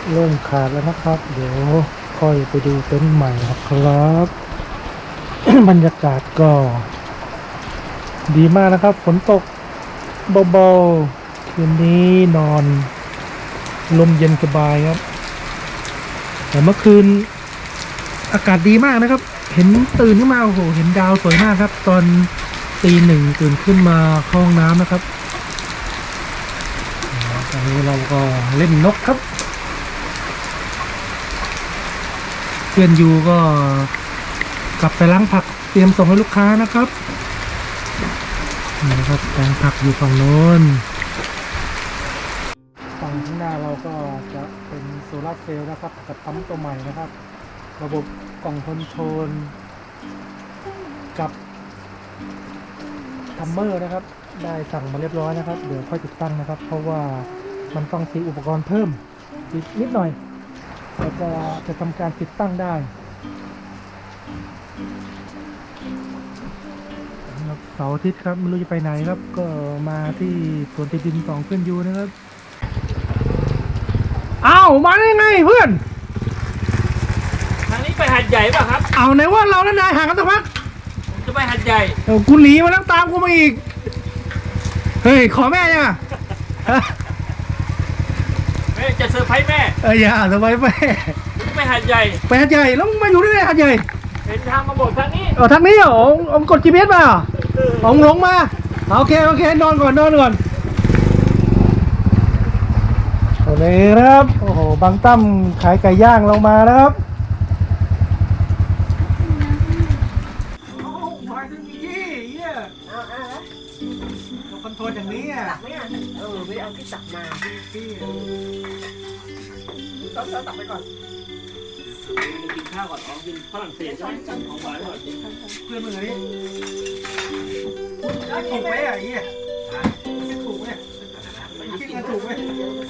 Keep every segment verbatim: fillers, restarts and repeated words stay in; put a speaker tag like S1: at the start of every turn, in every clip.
S1: เริ่มขาดแล้วนะครับ เดี๋ยวค่อยไปดูเต็นท์ใหม่นะครับ บรรยากาศก็ดีมากนะครับฝนตกเบาๆคืนนี้นอนลมเย็นสบายครับแต่เมื่อคืนอากาศดีมากนะครับ เห็นตื่นขึ้นมาโอ้โหเห็นดาวสวยมากครับ ตอนตีหนึ่งตื่นขึ้นมาเข้าห้องน้ำนะครับตอนนี้เราก็เล่นนกครับเพื่อนยูก็กลับไปล้างผักเตรียมส่งให้ลูกค้านะครับนี่นะครับแปลงผักอยู่ฝั่งโน้นฝั่งข้างหน้าเราก็จะเป็นโซลาร์เซลล์นะครับกับปั๊มตัวใหม่นะครับระบบกล่องคอนโทรลกับทัมเมอร์นะครับได้สั่งมาเรียบร้อยนะครับเดี๋ยวค่อยติดตั้งนะครับเพราะว่ามันต้องซื้ออุปกรณ์เพิ่มอีกนิดหน่อยแล้วก็จะทำการติดตั้งได้เสาร์อาทิตย์ครับไม่รู้จะไปไหนครับก็มาที่สวนติดินของเพื่อนยูนะครับอ้าวมาได้ไงเพื่อน
S2: ทางนี้ไปหัดใหญ่ป่ะครับ
S1: เอาไหนว่าเราและนายห่างกันสักพัก
S2: ผมจะไปหัดใหญ่
S1: เออกูหนีมาแล้วตามกูมาอีกเฮ้ยขอแม่ยังอ่ะ
S2: แม่จะเซอร์ไพรส์แม่
S1: เอออย่าสบายแม่
S2: ไปหัดใหญ่
S1: ไปหัดใหญ่แล้วมึงมาอยู่ที่ไหนหัดใหญ่
S2: เห็นทางมาบอกทางนี้
S1: เออทางนี้เหรอผมกด จี พี เอส มาเหรอผมหลงมาโอเคโอเคนอนก่อนนอนก่อนโอเคครับโอ้โหบางตั้มขายไก่ย่างเรามาแล้วครับมาถึงยี่เยี่ยเราคอนโทรลอย่างนี้อ่ะ
S3: ตักไหมอ่ะเออไม่เอาที่ตักมาพี่ต้องต้องตักไปก่อน
S2: กินข้าวก่อนอ๋อกินฝรั่งเศสใช่ไหมของหวานก่อน
S1: เพื่อนมึงอันนี้ถูกไหมอ่ะยี่ถูกไหมคิดกันถูกไหม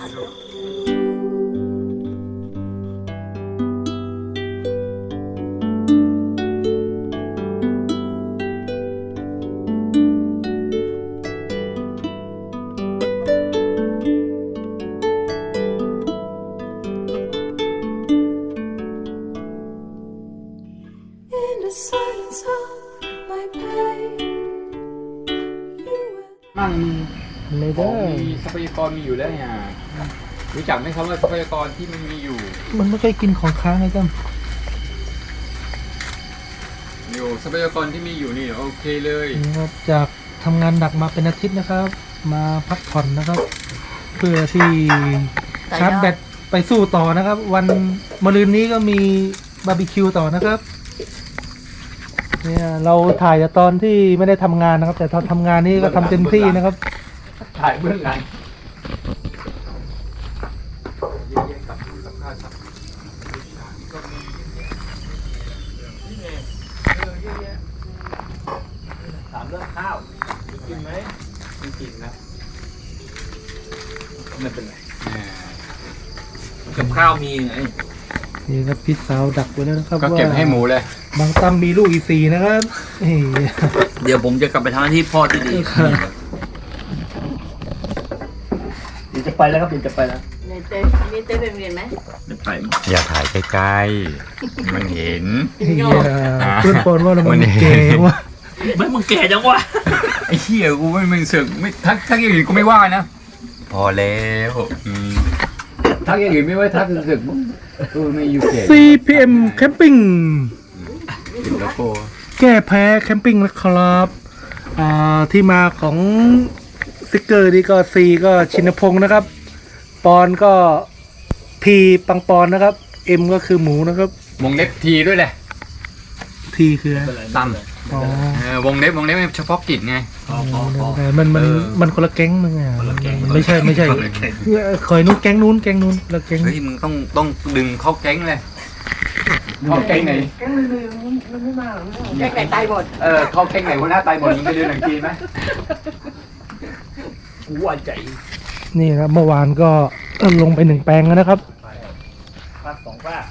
S4: มั่ง
S1: ไม่ได้
S4: มีทรัพยากรมีอยู่แล้วเนี่ยรู้จักไหมครับว่าทรัพยากรที่มันมีอยู่
S1: มันไม่เคยกินของค้างไงจ้ะ
S4: อยู่ทรัพยากรที่มีอยู่นี่โอเคเลย
S1: นะครับจากทำงานหนักมาเป็นอาทิตย์นะครับ มาพักผ่อนนะครับ เพื่อที่ชาร์จแบตไปสู้ต่อนะครับ วันมะรืนนี้ก็มีบาร์บีคิวต่อนะครับเนี่ยเราถ่ายแต่ตอนที่ไม่ได้ทำงานนะครับ แต่ตอนทำงานนี่ก็ทำเต็มที่นะครับ
S4: ถ่ายเบื้องหลัง
S2: ถามเรื่องข้าวกินไหมไม่กินนะไม่เป็นไรกับข้าวมีไง
S1: นี่ครับพี่สาวดักไว้แล้วนะครับ
S4: ก็เก็บให้หมูเลย
S1: บางตั้มมีลูกอีสี่นะครับ
S2: เดี๋ยวผมจะกลับไปทำหน้าที่พ่อที่ดีเดี๋ยวจะไปแล้วครับเดี๋ยวจะไปแล้ว
S3: ในเต้มีเต้ไปเรียนไหม
S2: ไม่ไป
S4: อย่าถ่ายใกล้ๆมันเห็น
S1: เพื่อนปนว่าเรามันเก๋วะ
S2: ไม่มึงแก่จังวะ
S4: ไอ้เหี้ยกูไม่มึงเสือกไม่ทักทักอย่างอื่นกูไม่ว่านะพอแล้วทักอย่างอื่นไม่ว่าทักเสือกมึงกูไม่อยู่เก๋
S1: ซี พี เอ็ม Camping
S4: ติดโลโก้
S1: แก้แพ้แคมปิ้งนะครับอ่าที่มาของสติกเกอร์นี่ก็ C ก็ชินพงศ์นะครับปอนก็ P ปังปอนนะครับ M ก็คือหมูนะครับ
S4: วงเล็บทีด้วยแหละ
S1: T คือ
S4: ตั้มอ๋อวงเล็บวงเล็บเฉพาะกิจไง
S1: มันมันมันคนละแก๊งมึงอ่ะไม่ใช่ไม่ใช่คอยนู้นแก๊งนู้นแก๊งนู้นละแก๊ง
S4: เฮ้ยมึงต้องต้องดึงเข้าแก๊งเลยเข้าแก๊งไหน
S3: แก๊งลืมมันไม่มาหรอกแก๊งไหนตายหมด
S4: เออเข้าแก๊งไหนหัวหน้าตายหมดมึงไปดูหนังจีนไหม
S2: หัวใจ
S1: นี่ครับเมื่อวานก็ลงไปหนึ่งแปลงแล้วนะครับ
S2: พักสองป้า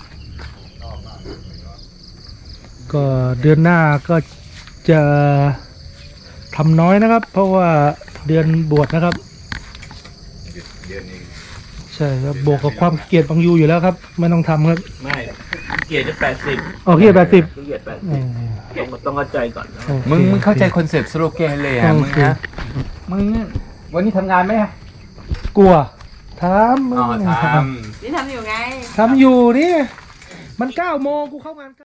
S1: ก็เดือนหน้าก็จะทำน้อยนะครับเพราะว่าเดือนบวชนะครับ
S4: เดือนเอง
S1: ใช่ครับบวกกับความเกลียดบางยูอยู่แล้วครับ ไม่ต้องทำครับ
S2: ไม่เกียรติจะแปดสิบ
S1: โอเคแปดสิบ
S2: เกียรติแปดสิบต้องต้องเข้าใจก่อนนะ
S4: มึงมึงเข้าใจคอนเซ็ปต์สโลแกนเลยอ่ะมึงนะมึงวันนี้ทำงานไหม
S1: กลัวทำ
S4: อ๋อท
S3: นี่ทำอยู่ไง
S1: ทำอยู่นี่มันเก้าโมงกูเข้างาน